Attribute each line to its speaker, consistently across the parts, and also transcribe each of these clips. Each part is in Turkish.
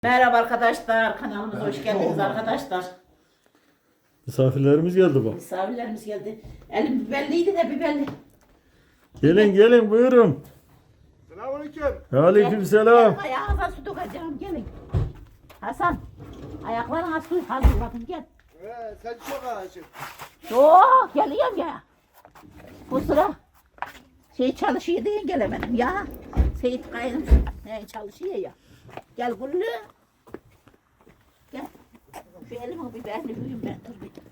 Speaker 1: Merhaba arkadaşlar, kanalımıza hoş geldiniz arkadaşlar.
Speaker 2: Misafirlerimiz geldi bak.
Speaker 1: Misafirlerimiz geldi. Elim biberliydi de biberli.
Speaker 2: Gelin buyurun.
Speaker 3: Selamünaleyküm.
Speaker 2: Aleykümselam.
Speaker 1: Ayağınıza su dökeceğim, gelin. Hasan, ayaklarına su hazırladım, gel.
Speaker 3: Sen çok ağacın.
Speaker 1: Yok, geliyorum ya. Bu sıra çalışıyor diye gelemedim ya. Seyit Kayın çalışıyor ya. Gel Güllü. Gel. Şu elimi biberini büyüyüm ben, dur bir.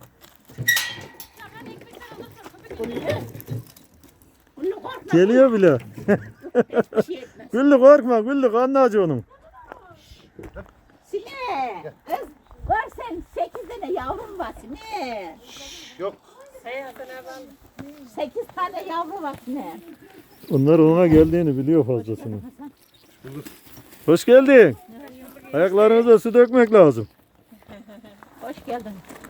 Speaker 1: Güllü. Güllü korkma.
Speaker 2: Geliyor bile.
Speaker 1: Hiçbir şey etmez.
Speaker 2: Güllü korkma Güllü kanlı acı onun.
Speaker 1: Sine. Kız var sen 8 tane yavrum var Sine.
Speaker 3: Yok.
Speaker 1: 8 tane yavru var Sine.
Speaker 2: Onlar ona geldiğini biliyor fazlasını. Hoş geldin. Ayaklarınıza su dökmek lazım.
Speaker 1: Hoş geldin.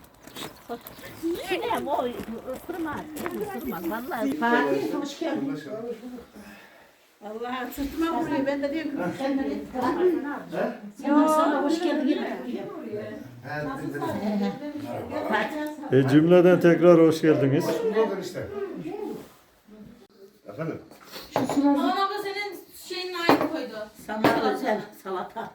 Speaker 1: Sine o ısırmaz. Isırmaz vallahi. Fatih hoş geldin. Allah sırtıma vuruyor. Ben de diyorum ki sen de sen sana hoş geldin.
Speaker 2: Cümleden tekrar hoş geldiniz.
Speaker 3: Buldun işte. Efendim?
Speaker 4: Aman abla senin şeyin aynı koydu.
Speaker 1: Sana özel salata.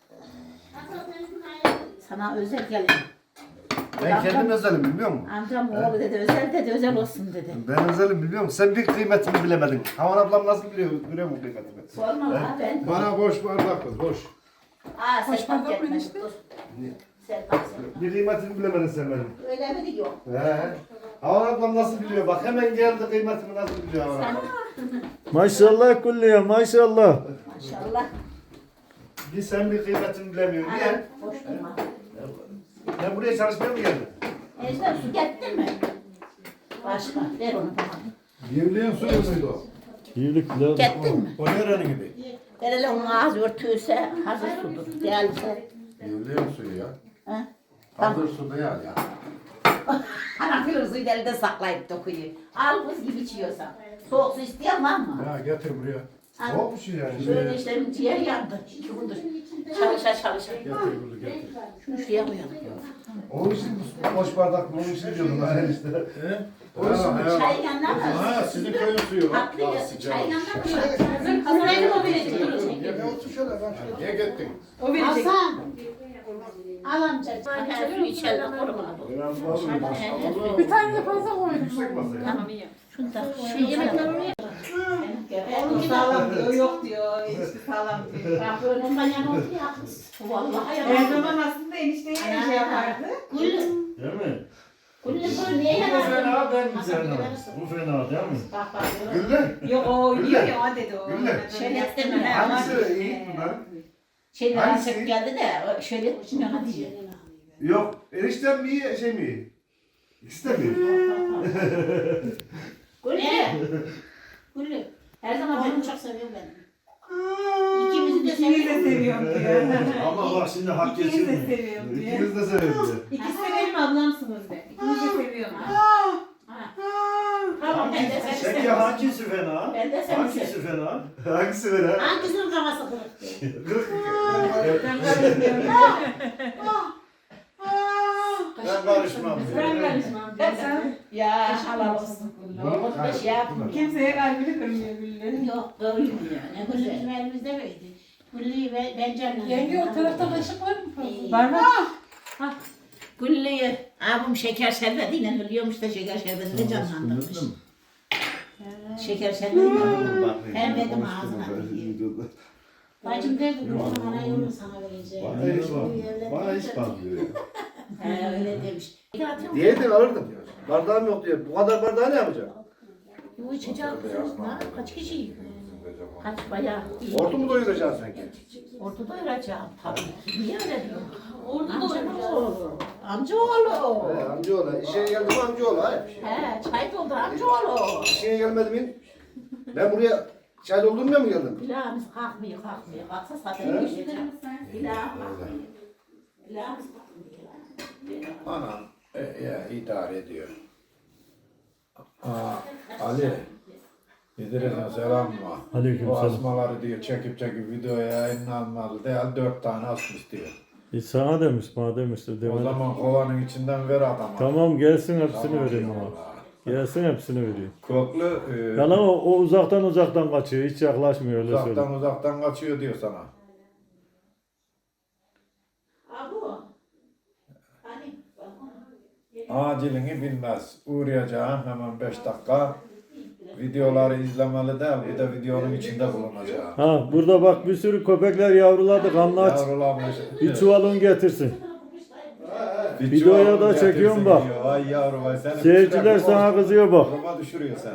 Speaker 1: Sana özel gelin.
Speaker 3: Ben kendim özelim biliyor musun?
Speaker 1: Amcam oğlu dedi özel olsun dedi.
Speaker 3: Ben özelim biliyor musun? Sen bir kıymetini bilemedin. Havan ablam nasıl biliyor mu kıymetini?
Speaker 1: Sorma lan ben.
Speaker 3: Bana boş bardak kız boş.
Speaker 1: Aa sen fark etme. Dur. Sen fark etme.
Speaker 3: Bir kıymetini bilemedin sen benim.
Speaker 1: Öyle mi diyor?
Speaker 3: He. Havan ablam nasıl biliyor? Bak hemen geldi kıymetimi nasıl biliyor Havan
Speaker 1: Sen
Speaker 3: ablam.
Speaker 2: Maşallah Güllü'ye maşallah.
Speaker 1: maşallah.
Speaker 3: Bir sen bir kıymetini bilemiyorsun.
Speaker 1: Ana
Speaker 3: Niye?
Speaker 1: boş durma.
Speaker 3: Ben buraya çalışmaya mı geldim?
Speaker 1: Ejder su getirdin mi? Başka ver onu bana.
Speaker 5: Yevleyen suyu muydu o?
Speaker 2: İyilikler.
Speaker 1: Getirdin mi?
Speaker 5: O nerenin gibi?
Speaker 1: Ver onun ağzı örtüyse hazır sudur. Değerliyse.
Speaker 5: Yevleyen suyu ya.
Speaker 1: Ha?
Speaker 5: Hazır suda ya.
Speaker 1: Anam filozuyu da elde saklayıp dokuyor. Al buz gibi içiyorsan. Soğuk su isteyen var mı?
Speaker 5: Ya getir buraya.
Speaker 3: Soğuk bir şey yani.
Speaker 1: Şöyle işte ciğer yandı. 2 gündür. Çalışa.
Speaker 5: Getir bunu getir.
Speaker 1: Şunu şuraya koyalım.
Speaker 3: Onun için boş bardak onun için diyordum ben işte.
Speaker 5: He?
Speaker 3: Onun için
Speaker 1: Çay yanına mı?
Speaker 5: Ha sizin köyün suyu.
Speaker 1: Haklı ya.
Speaker 5: Sıcak.
Speaker 1: Çay yanına mı? Hazırlayalım o verecek.
Speaker 3: Ya otur şöyle ben şöyle.
Speaker 5: Niye gittin?
Speaker 4: O verecek.
Speaker 1: Hasan. Al amca. Her su içelim. Koruma bu.
Speaker 4: Bir tane de fazla koydum.
Speaker 3: Yüksek masaya.
Speaker 1: Tamam. Şunu da şu yemekler oraya.
Speaker 4: Onun sağlam diyor, yok diyor, enişte sağlam diyor.
Speaker 1: Bak önümden yana otur ya. Vallahi
Speaker 4: Her
Speaker 1: yana.
Speaker 4: zaman aslında enişteye şey yapardı.
Speaker 1: Güllü.
Speaker 2: Değil mi?
Speaker 1: Güllü böyle niye
Speaker 2: Bu
Speaker 1: yana?
Speaker 2: fena ben mi fena? Bu fena değil mi?
Speaker 1: Bak.
Speaker 3: Gülle.
Speaker 4: Yok o yiyor ya o dedi o.
Speaker 3: Gülle.
Speaker 1: Şöyle deme.
Speaker 3: Hangisi iyi bunlar?
Speaker 1: Şeyler
Speaker 3: Hangisi?
Speaker 1: açık geldi de şöyle yana diyor.
Speaker 3: Yok. Eniştem mi iyi şey mi iyi? İkisi de mi iyi?
Speaker 1: Güllü. Her zaman beni çok seviyorum ben. İkimizi de
Speaker 4: İkiniz de
Speaker 1: seviyorum.
Speaker 4: seviyorum diyor.
Speaker 2: Ama bak şimdi hak
Speaker 4: İkiniz de
Speaker 2: geçirmiyor.
Speaker 4: seviyorum diyor.
Speaker 3: İkimiz de severiz de.
Speaker 4: İkisi de benim ablamsınız de. İkiniz de seviyorum.
Speaker 1: Tamam ben de seni
Speaker 2: Peki
Speaker 1: seviyorum.
Speaker 2: hangisi fena?
Speaker 1: Ben de seni
Speaker 2: Hangisi
Speaker 1: seviyorum.
Speaker 2: fena?
Speaker 3: Hangisi ver ha?
Speaker 1: Hangisinin kafası kırık?
Speaker 3: Kırık.
Speaker 4: Ben karışmıyorum.
Speaker 2: Ben karışmam.
Speaker 4: Ben karışmam diyor.
Speaker 1: Ya halal olsun. Olmuş da şey yapmıyor.
Speaker 4: Kimseye kalbini kırmıyor Güllü.
Speaker 1: Yok kırmıyor. Ne güzel. Bizim elimizde böyleydi. Güllü'yü ve ben canım.
Speaker 4: Yenge o tarafta kaşık var mı?
Speaker 1: Var
Speaker 4: mı?
Speaker 1: Güllü'yü abim şeker şerbetiyle ölüyormuş da şeker şerbetiyle canlandırmış. Şeker şerbetiyle hem benim ağzına. Bacım derdi Güllü'nün ana yolunu sana vereceğim.
Speaker 3: Bana hiç bakmıyor ya.
Speaker 1: He öyle demiş.
Speaker 3: Diyeydin alırdım. Bardağım yok diyor. Bu kadar bardağı ne yapacağım?
Speaker 1: Bu içecek kızım. Kaç kişi? Kaç bayağı.
Speaker 3: Ordu mu doyuracaksın sanki?
Speaker 1: Orta doyuracağım tabii ki. Niye öyle diyor?
Speaker 4: Orada
Speaker 1: Amcaoğlu. Amcaoğlu.
Speaker 3: He amcaoğlu. İşe geldi mi amcaoğlu? Hayır.
Speaker 1: He çay doldur amcaoğlu.
Speaker 3: İşe gelmedi mi? Ben buraya çay doldurmaya mı geldim?
Speaker 1: Bilağımız kalkmıyor. Kalksa zaten geçecek. Bilağım kalkmıyor. Bilağımız kalkmıyor.
Speaker 5: Anam ya idare ediyor. Ali. İdris'e selam var.
Speaker 2: Aleyküm
Speaker 5: O
Speaker 2: selam.
Speaker 5: asmaları diyor çekip videoya yayınlanmalı değil 4 tane asmış diyor.
Speaker 2: Sana demiş, bana demiştir.
Speaker 5: O
Speaker 2: Demedim.
Speaker 5: zaman kovanın içinden ver adama.
Speaker 2: Tamam gelsin hepsini
Speaker 5: Tamam,
Speaker 2: vereyim
Speaker 5: eyvallah.
Speaker 2: ona. Gelsin hepsini vereyim.
Speaker 5: Koklu
Speaker 2: Yalan o uzaktan kaçıyor. Hiç yaklaşmıyor öyle söyleyeyim.
Speaker 5: uzaktan kaçıyor diyor sana.
Speaker 1: Abu. Hani
Speaker 5: Acilini bilmez. Uğrayacağım hemen 5 dakika. Videoları izlemeli değil, bir de videonun içinde bulunacağım.
Speaker 2: Ha burada bak bir sürü köpekler yavruladı. Kanlı aç.
Speaker 5: Yavrulamış.
Speaker 2: Bir çuval un getirsin.
Speaker 5: Bir
Speaker 2: Videoya
Speaker 5: çuval
Speaker 2: da
Speaker 5: getirsin
Speaker 2: çekiyorum bak.
Speaker 5: diyor. Ay yavrum ay seni
Speaker 2: Seyirciler sana kızıyor bak.
Speaker 5: Duruma düşürüyor seni.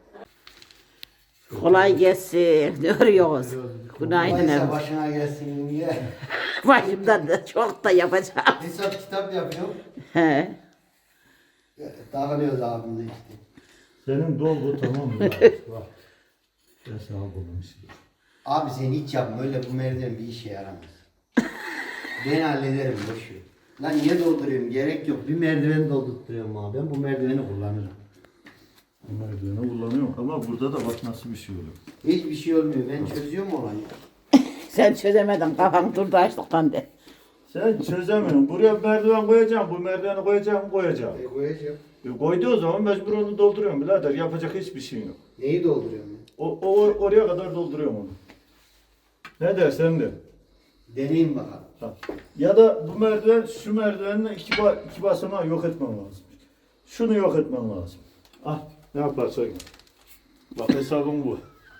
Speaker 1: kolay gelsin. Ne arıyoruz? Günaydın
Speaker 6: Neyse
Speaker 1: efendim.
Speaker 6: başına gelsin diye.
Speaker 1: Başımdan da çok da yapacağım.
Speaker 6: Hesap kitap yapıyorum.
Speaker 1: He.
Speaker 6: Dağılıyoruz abimle işte.
Speaker 2: Senin dolgu tamam mı? Bak. Ben sana bulmuşum.
Speaker 6: Abi sen hiç yapma öyle bu merdiven bir işe yaramaz. Ben hallederim boşver. Lan niye dolduruyorum gerek yok. Bir merdiven doldurtuyorum abi. Ben bu merdiveni kullanırım.
Speaker 2: Merdiveni kullanıyorum ama burada da bak nasıl bir şey oluyor.
Speaker 6: Hiçbir şey olmuyor. Ben çözüyorum olayı.
Speaker 1: Sen çözemedin. Kafan durdu açlıktan de.
Speaker 2: Sen çözemiyorsun. Buraya bir merdiven koyacağım. Bu merdiveni koyacağım.
Speaker 6: Koyacağım.
Speaker 2: Koyduğu o zaman mecbur onu dolduruyorum birader. Yapacak hiçbir şey yok.
Speaker 6: Neyi dolduruyorum ben?
Speaker 2: Oraya kadar dolduruyorum onu. Ne dersen de.
Speaker 6: Deneyim bakalım.
Speaker 2: Ha. Ya da bu merdiven, şu merdivenin iki basamağı yok etmen lazım. Şunu yok etmen lazım. Ah, ne yaparsan yap. Bak hesabım bu.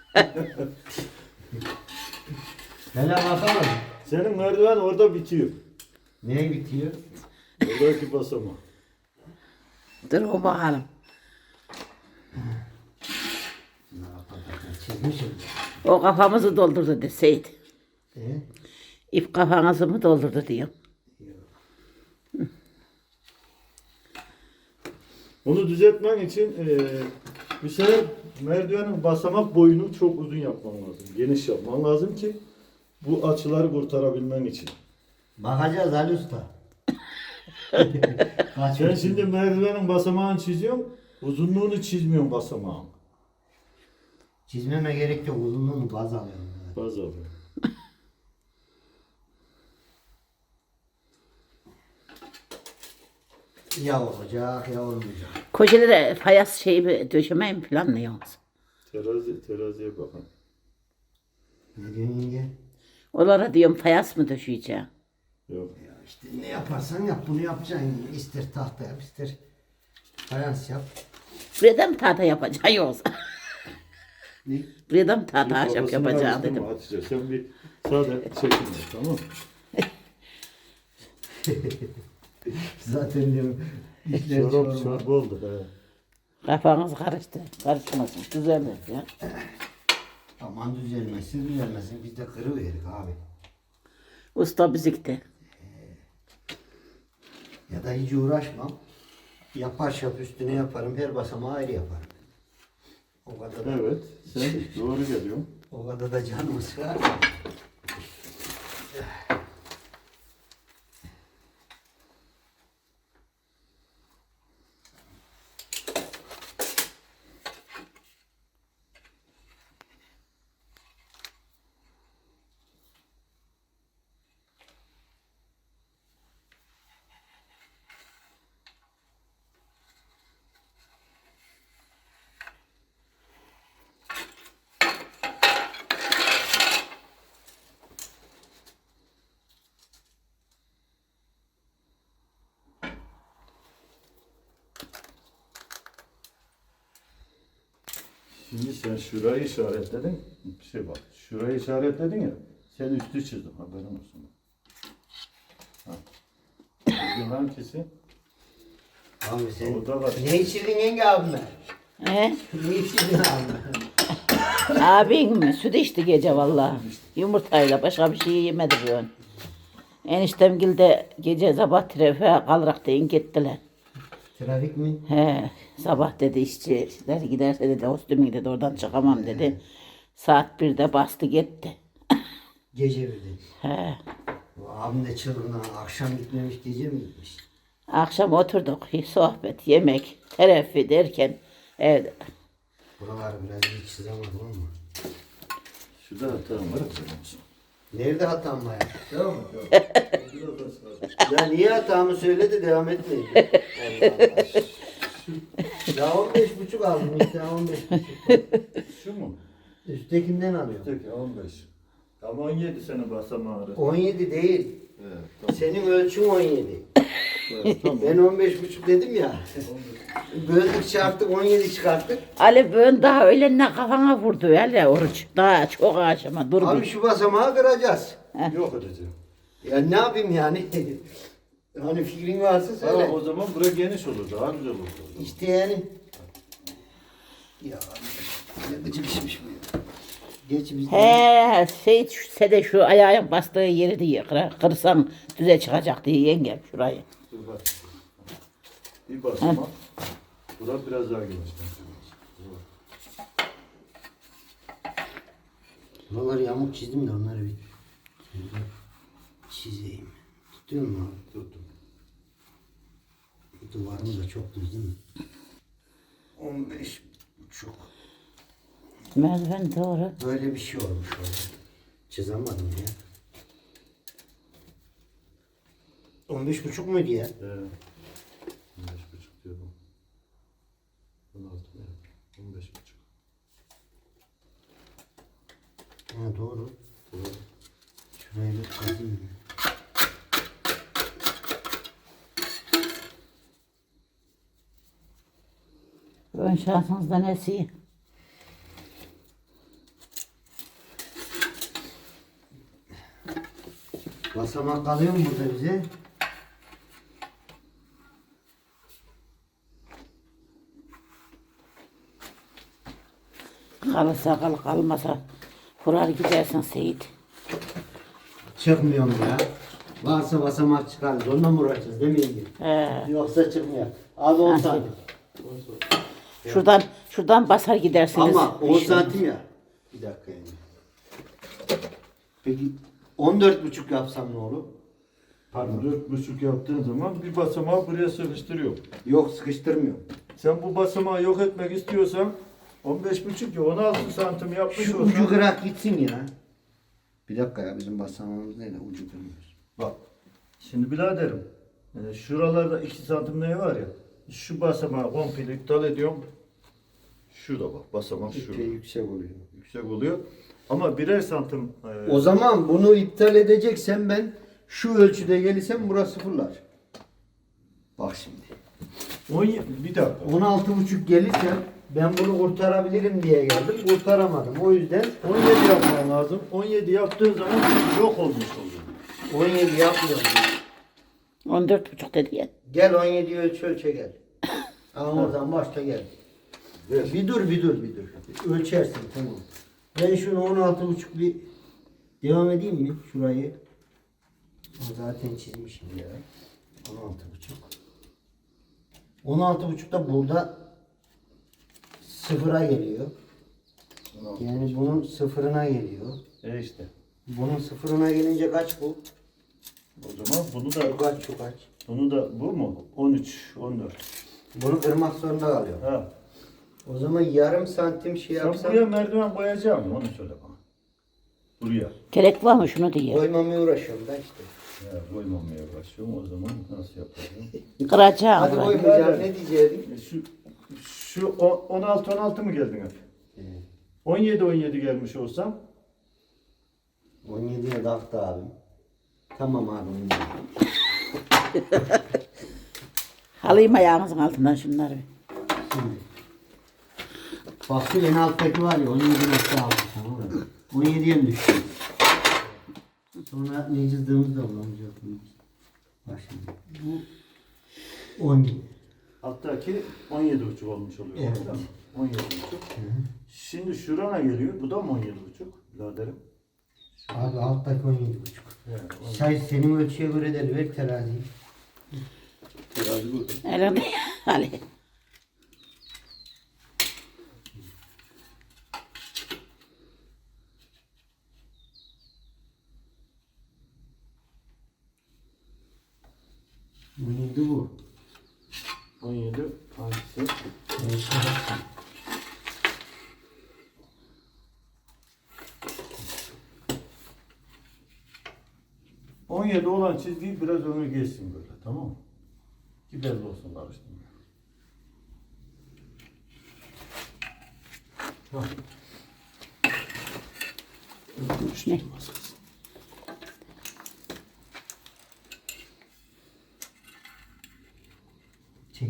Speaker 6: Hele bakalım.
Speaker 2: Senin merdiven orada bitiyor.
Speaker 6: Neye bitiyor?
Speaker 2: Orada iki basamağı.
Speaker 1: Dur o bakalım.
Speaker 6: Çizmişim.
Speaker 1: O kafamızı doldurdu deseydi.
Speaker 6: Ee?
Speaker 1: İp kafanızı mı doldurdu diyor.
Speaker 2: Onu düzeltmen için bir sefer merdivenin basamak boyunu çok uzun yapman lazım. Geniş yapman lazım ki bu açıları kurtarabilmen için.
Speaker 6: Bakacağız Ali Usta. Kaç
Speaker 2: Sen şimdi merdivenin basamağını çiziyorsun, uzunluğunu çizmiyorsun basamağın.
Speaker 6: Çizmeme gerek yok. Uzunluğunu baz alıyorum.
Speaker 2: Baz alıyor.
Speaker 6: Ya olacak ya olmayacak.
Speaker 1: Kocalara fayans şeyi döşemeyi mi planlıyorsunuz?
Speaker 2: Teraziye bakın.
Speaker 6: Ne diyorsun yenge?
Speaker 1: Onlara diyorum fayans mı döşeyeceğim?
Speaker 2: Yok.
Speaker 6: Ya işte ne yaparsan yap bunu yapacaksın. İster tahta yap ister fayans yap.
Speaker 1: Buraya da mı tahta yapacaksın yoksa?
Speaker 6: Ne?
Speaker 1: Buraya da mı tahta ahşap
Speaker 2: Babasını
Speaker 1: yapacaksın
Speaker 2: araştırma
Speaker 1: dedim.
Speaker 2: Hatice. Sen bir sade çekinme tamam mı?
Speaker 6: Zaten diyorum işler
Speaker 2: Çorap
Speaker 6: çorba.
Speaker 2: çorba oldu. He.
Speaker 1: Kafanız karıştı. Karışmasın. Düzelmez ya.
Speaker 6: Aman düzelmesin düzelmesin biz de kırıverik abi.
Speaker 1: Usta bizikti.
Speaker 6: Ya da hiç uğraşmam. Yapar şap üstüne yaparım. Her basamağı ayrı yaparım. O kadar da,
Speaker 2: Evet. Sen doğru geliyorsun.
Speaker 6: o kadar da canım sıkar.
Speaker 2: Şimdi sen şurayı işaretledin. Bir şey bak. Şurayı işaretledin ya. Sen üstü çizdin. Haberin olsun. Ha. Bugün hangisi?
Speaker 6: Abi sen
Speaker 2: Orada var.
Speaker 6: ne içirdin yenge abime?
Speaker 1: He?
Speaker 6: Ne içirdin abime?
Speaker 1: Abin mi? Süt içti gece vallahi. Yumurtayla başka bir şey yemedi bu ön. Eniştemgil de gece sabah trafiğe kalarak deyin gittiler.
Speaker 6: Trafik mi?
Speaker 1: He, sabah dedi işçiler giderse dedi hostümü dedi oradan çıkamam dedi. Saat 1'de bastı gitti.
Speaker 6: Gece birde.
Speaker 1: He.
Speaker 6: Bu abim de çılgın ha. Akşam gitmemiş gece mi gitmiş?
Speaker 1: Akşam oturduk sohbet, yemek, terafi derken evde.
Speaker 6: Buraları biraz iyi çizemedim ama.
Speaker 2: Şurada hatam var.
Speaker 6: Nerede hatam var ya?
Speaker 2: Tamam mı? Tamam. Biraz daha sağ.
Speaker 6: Ya niye hatamı söyle de devam etmeyin. Allah Allah. Ya 15,5 aldım işte 15,5.
Speaker 2: Şu mu?
Speaker 6: Üsttekinden alıyorum.
Speaker 2: Peki 15. Ama 17 sene basamağı arası.
Speaker 6: 17 değil.
Speaker 2: Evet, tamam.
Speaker 6: Senin ölçün 17.
Speaker 2: Evet, tamam.
Speaker 6: Ben 15,5 dedim ya. Böldük çarptık 17 çıkarttık.
Speaker 1: Ali bugün daha öğlenine kafana vurdu hele oruç. Daha çok aşama dur
Speaker 6: Abi
Speaker 1: bir.
Speaker 6: şu basamağı kıracağız.
Speaker 2: Yok edeceğim.
Speaker 6: Ya ne yapayım yani? Hani fikrin varsa söyle.
Speaker 2: Tamam o zaman bura geniş olur. Daha güzel olur.
Speaker 6: İşte yani. Ya ne gıcıkışmış bu ya. Geç biz.
Speaker 1: He Seyit sede şu ayağın bastığı yeri diye kırsan düze çıkacak diye yengem şurayı.
Speaker 2: Dur bak. Bir basama. Bura biraz daha geniş.
Speaker 6: Buraları yamuk çizdim de onları bir çizeyim. Tutuyor mu abi?
Speaker 2: Tuttum.
Speaker 6: Duvarım da çok düz değil mi? 15,5.
Speaker 1: Merdiven doğru.
Speaker 6: Böyle bir şey olmuş orada. Çizemedim ya. 15,5 muydu ya?
Speaker 2: 15,5 diyorum. 16 mı? 15,5.
Speaker 6: Ha doğru.
Speaker 2: Doğru.
Speaker 6: Şurayı bir kazıyım.
Speaker 1: Ön şansınızda nesi?
Speaker 6: Basamak kalıyor mu burada bize?
Speaker 1: Kalırsa kal kalmasa kurar gidersin Seyit.
Speaker 6: Çıkmıyorum ya. Varsa basamak çıkarız. Onunla mı uğraşacağız değil mi yenge?
Speaker 1: He.
Speaker 6: Yoksa çıkmıyor. Az 10 santim.
Speaker 1: Şuradan basar gidersiniz.
Speaker 6: Ama 10 santim ya. Bir dakika yani. Peki 14,5 yapsam ne olur? Pardon.
Speaker 2: 4,5 yaptığın zaman bir basamağı buraya sıkıştırıyor.
Speaker 6: Yok sıkıştırmıyor.
Speaker 2: Sen bu basamağı yok etmek istiyorsan 15,5 ya 16 santim yapmış
Speaker 6: Şu
Speaker 2: olsan.
Speaker 6: ucu kırak gitsin ya. Bir dakika ya bizim basamağımız neyle ucu kırmıyoruz.
Speaker 2: Bak. Şimdi biraderim. Şuralarda 2 santim ne var ya. Şu basamağı komple iptal ediyorum. Şurada bak basamak şurada.
Speaker 6: Epey yüksek oluyor.
Speaker 2: Yüksek oluyor. Ama birer santim
Speaker 6: O zaman bunu iptal edeceksen ben şu ölçüde gelirsem burası sıfırlar. Bak şimdi.
Speaker 2: bir dakika.
Speaker 6: 16,5 gelirse ben bunu kurtarabilirim diye geldim. Kurtaramadım. O yüzden
Speaker 2: 17 yapman lazım. 17 yaptığın zaman yok olmuş oluyor.
Speaker 6: 17 yapmıyorum.
Speaker 1: 14,5 dedi ya.
Speaker 6: Gel 17 ölçe gel. Ama oradan başta gel. Bir dur. Ölçersin tamam. Ben şunu 16,5 bir devam edeyim mi şurayı? O zaten çizmişim ya. 16,5. 16,5 da burada sıfıra geliyor. Yani bunun sıfırına geliyor.
Speaker 2: İşte.
Speaker 6: Bunun sıfırına gelince kaç bu?
Speaker 2: O zaman bunu da
Speaker 6: Şu kaç?
Speaker 2: bunu da bu mu? 13, 14.
Speaker 6: Bunu kırmak zorunda kalıyor.
Speaker 2: Ha.
Speaker 6: O zaman yarım santim şey
Speaker 2: Sen
Speaker 6: yapsam
Speaker 2: buraya merdiven koyacak mı? Onu söyle bana. Buraya.
Speaker 1: Gerek var mı şunu diye.
Speaker 6: koymamaya uğraşıyorum da işte.
Speaker 2: Ya koymamaya başlıyorum. O zaman nasıl yapacağım?
Speaker 1: Kıracağım.
Speaker 6: Hadi
Speaker 1: burayı.
Speaker 6: koymayacağım ne diyecektim?
Speaker 2: Şu 16 mı geldin hep? 17 gelmiş olsam
Speaker 6: 17'ye taktı abim. Tamam abi.
Speaker 1: Alayım ayağınızın altından şunları.
Speaker 6: Şimdi. Bak şu en alttaki var ya 17,6 tamam mı? 17'ye mi düştü? Sonra ne çizdiğimizi de bulamayacak. Bak şimdi. Bu 17.
Speaker 2: alttaki 17,5 olmuş oluyor.
Speaker 6: Evet.
Speaker 2: Değil mi? 17,5. Şimdi şurana geliyor. Bu da mı 17,5? Biraderim.
Speaker 6: Abi alttaki 17,5.
Speaker 2: Evet.
Speaker 6: Say senin ölçüye göre de ver teraziyi.
Speaker 2: Terazi burada.
Speaker 1: Elini Ali.
Speaker 6: Bu neydi bu?
Speaker 2: 17 hangisi? Kalan çizgiyi biraz öne geçsin böyle, tamam mı? Ki belli olsun karıştırma. Tamam.
Speaker 1: Ne?
Speaker 6: Çek.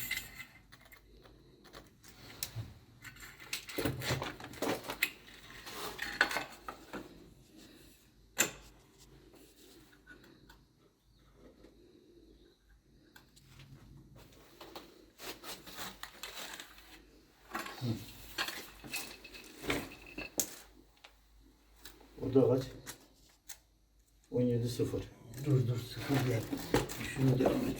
Speaker 2: O da kaç? 17-0.
Speaker 6: Dur sıkı gel. Şunu devam et.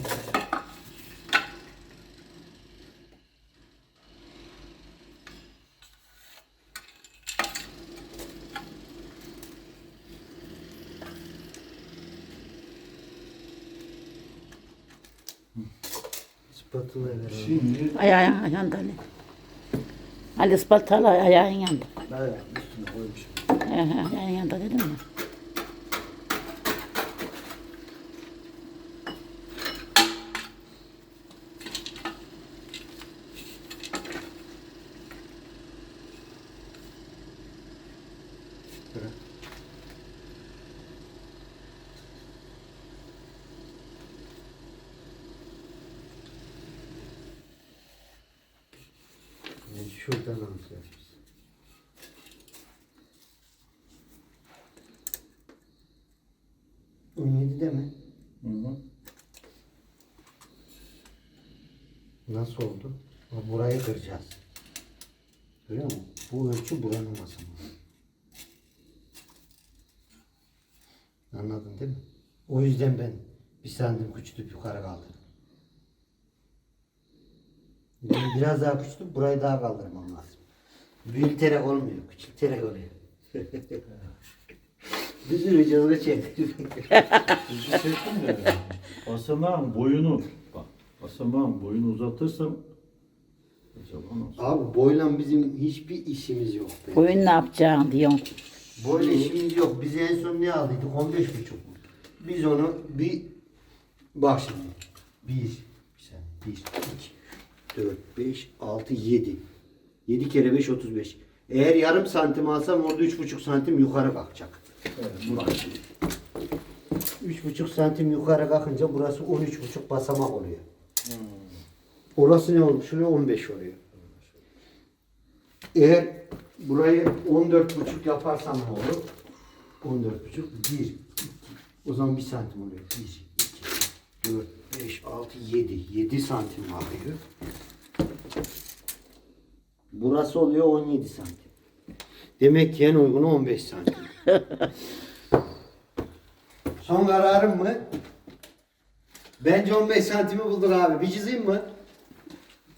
Speaker 6: Spatula ver.
Speaker 2: Şimdi
Speaker 1: Ayağın yandı Ali. Ali ispaltalı ayağın yandı.
Speaker 6: Ayağın üstüne koymuşum.
Speaker 1: Ayağın yandı dedim mi?
Speaker 6: Yani şuradan alacağız. 17 de mi?
Speaker 2: hı hı.
Speaker 6: Nasıl oldu? Burayı kıracağız. Görüyor musun? Bu ölçü buranın masası. Anladın değil mi? O yüzden ben bir santim küçültüp yukarı kaldırdım. Yani biraz daha küçültüp burayı daha kaldırmam lazım. Büyüterek olmuyor, küçülterek oluyor. Bir sürü cılgı çektim.
Speaker 2: Sizi çektim de basamağın boyunu bak. Basamağın boyunu uzatırsam acaba nasıl?
Speaker 6: Abi boyla bizim hiçbir işimiz yok. be.
Speaker 1: Oyun ne yapacaksın diyorsun.
Speaker 6: Boyla işimiz yok. Biz en son ne aldıydık? 15,5 mu? Biz onu bir bak şimdi. 1, 2, 4, 5, 6, 7. 7 kere 5, 35. Eğer yarım santim alsam orada 3,5 santim yukarı kalkacak. Bak şimdi. 3,5 santim yukarı kalkınca burası 13,5 basamak oluyor. Orası ne olmuş? Şuraya 15 oluyor. Eğer burayı 14,5 yaparsam ne olur? 14,5 1 2. O zaman 1 santim oluyor. 1 2 4 5 6 7. 7 santim alıyor. Burası oluyor 17 santim. Demek ki en uygunu 15 santim. Son kararım mı? Bence 15 santimi bulduk abi. Bir çizeyim mi?